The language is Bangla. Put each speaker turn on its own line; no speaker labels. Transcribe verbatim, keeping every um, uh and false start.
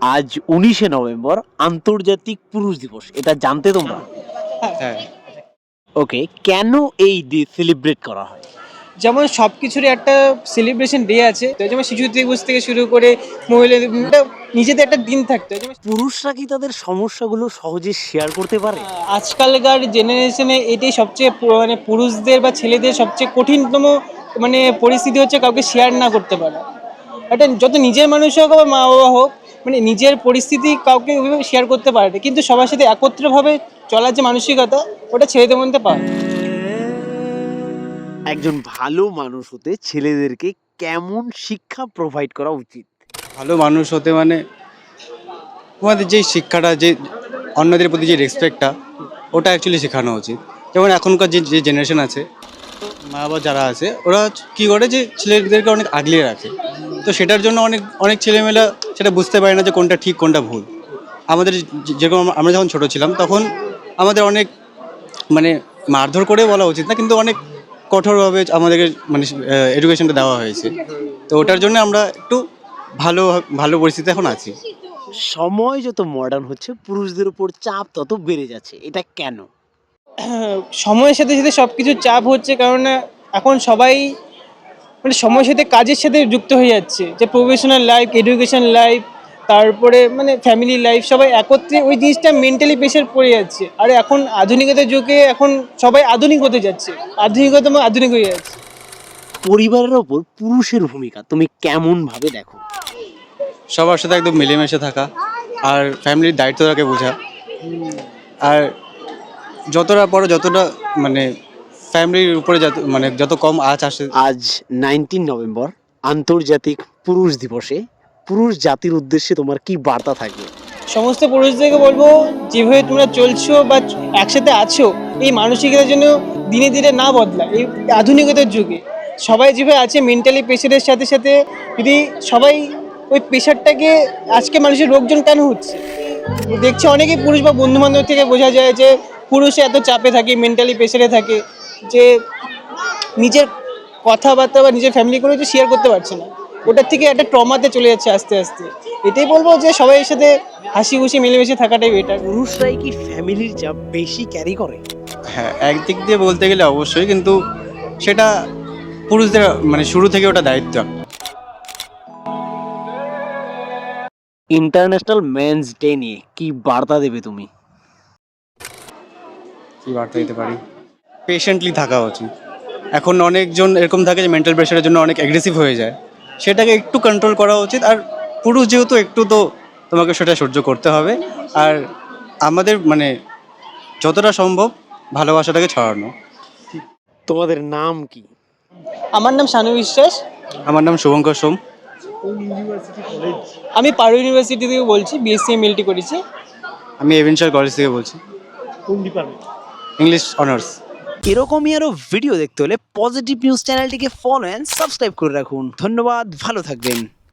আজ উনিশে নভেম্বর আন্তর্জাতিক পুরুষ দিবস, এটা জানতে তোমরা?
হ্যাঁ,
ওকে, কেন এই ডে সেলিব্রেট করা হয়?
যেমন সব কিছুরই একটা সেলিব্রেশন ডে আছে, তো যেমন শিশু দিবস থেকে শুরু করে মহিলাদের একটা নিজেদের একটা দিন থাকতো। যেমন
পুরুষরা কি তাদের সমস্যাগুলো সহজে শেয়ার করতে পারে?
আজকালকার জেনারেশনে এটাই সবচেয়ে পু- মানে পুরুষদের বা ছেলেদের সবচেয়ে কঠিনতম মানে পরিস্থিতি হচ্ছে কাউকে শেয়ার না করতে পারা। এটা যত নিজের মানুষ হোক বা মা বাবা হোক, মানে নিজের পরিস্থিতি কাউকে ওইভাবে শেয়ার করতে পারে না, কিন্তু সবার সাথে একত্রভাবে চলার যে মানসিকতা, ওটা ছেলেদের মধ্যে পায়।
একজন ভালো মানুষ হতে ছেলেদেরকে কেমন শিক্ষা প্রোভাইড করা উচিত?
ভালো মানুষ হতে মানে তোমাদের যে শিক্ষাটা, যে অন্যদের প্রতি যে রেসপেক্টটা, ওটা অ্যাকচুয়ালি শেখানো উচিত। যেমন এখনকার যে যে জেনারেশন আছে, মা বাবা যারা আছে, ওরা কী করে যে ছেলেদেরকে অনেক আগলিয়ে রাখে। তো সেটার জন্য অনেক অনেক ছেলেমেয়েরা সেটা বুঝতে পারে না যে কোনটা ঠিক কোনটা ভুল। আমাদের যে- যেরকম আমরা যখন ছোট ছিলাম, তখন আমাদের অনেক মানে মারধর করে বলা উচিত না, কিন্তু অনেক কঠোরভাবে আমাদেরকে মানে এডুকেশনটা দেওয়া হয়েছে। তো ওটার জন্য আমরা একটু ভালো ভালো পরিস্থিতি এখন আছি।
সময় যত মডার্ন হচ্ছে পুরুষদের উপর চাপ তত বেড়ে যাচ্ছে, এটা কেন?
সময়ের সাথে সাথে সব কিছুর চাপ হচ্ছে, কারণ এখন সবাই মানে সময়ের সাথে কাজের সাথে যুক্ত হয়ে যাচ্ছে, যে প্রফেশনাল লাইফ, এডুকেশন লাইফ, তারপরে মানে ফ্যামিলি লাইফ, সবাই একত্রে ওই জিনিসটা মেন্টালি প্রেশার পড়ে যাচ্ছে। আর এখন আধুনিকতার যুগে এখন সবাই আধুনিক হতে যাচ্ছে, আধুনিকতম আধুনিক হয়ে যাচ্ছে।
পরিবারের ওপর পুরুষের ভূমিকা তুমি কেমন ভাবে দেখো?
সবার সাথে একদম মিলেমিশে থাকা, আর ফ্যামিলির দায়িত্বটাকে বোঝা, আর যতটা পরে যতটা মানে ফ্যামিলির উপরে যত মানে যত কম আঁচ আসে।
আজ নাইনটিন নভেম্বর আন্তর্জাতিক পুরুষ দিবসে পুরুষ জাতির উদ্দেশ্যে তোমার কি বার্তা থাকবে?
সমস্ত পুরুষদেরকে বলবো, যেভাবে তোমরা চলছো বা একসাথে আছো, এই মানসিকতার জন্য দিনে দিনে না বদলা। এই আধুনিকতার যুগে সবাই যেভাবে আছে মেন্টালি প্রেশারের সাথে সাথে, যদি সবাই ওই প্রেশারটাকে, আজকে মানুষের রোগজন কেন হচ্ছে দেখছি অনেকেই পুরুষ বা বন্ধু বান্ধব থেকে বোঝা যায় যে পুরুষে এত চাপে থাকে, মেন্টালি প্রেশারে থাকে, যে নিজের কথাবার্তা বা নিজের ফ্যামিলি কোনো কিছু শেয়ার করতে পারছে না। ওটার থেকে একটা ট্রমাতে চলে যাচ্ছে আস্তে আস্তে। এটাই বলবো যে সবাই এর সাথে হাসি খুশি মিলেমিশে থাকাটাই বেটার।
পুরুষরাই কি ফ্যামিলির চাপ বেশি ক্যারি করে?
হ্যাঁ, একদিক দিয়ে বলতে গেলে অবশ্যই, কিন্তু সেটা পুরুষদের মানে শুরু থেকে ওটা দায়িত্ব।
ইন্টারন্যাশনাল মেন্স ডে নিয়ে কি বার্তা দেবে তুমি?
কি বার্তা দিতে পারি? পেশেন্টলি থাকা উচিত। এখন অনেকজন এরকম থাকে যে মেন্টাল প্রেশারের জন্য অনেক অ্যাগ্রেসিভ হয়ে যায়, সেটাকে একটু কন্ট্রোল করা উচিত। আর পুরুষ যেহেতু, একটু তো তোমাকে সেটা সহ্য করতে হবে। আর আমাদের মানে যতটা সম্ভব ভালোবাসাটাকে ছড়ানো।
তোমাদের নাম কি?
আমার নাম শানু বিশ্বাস।
আমার নাম শুভঙ্কর সোম।
আমি পারু ইউনিভার্সিটি থেকে বলছি, বিএসসি এমএলটি করেছি।
আমি এভেনচার কলেজ থেকে বলছি, ইংলিশ অনার্স।
এরকমই আরো ভিডিও দেখতে হলে পজিটিভ নিউজ চ্যানেলটিকে ফলো এন্ড সাবস্ক্রাইব করে রাখুন। ধন্যবাদ, ভালো থাকবেন।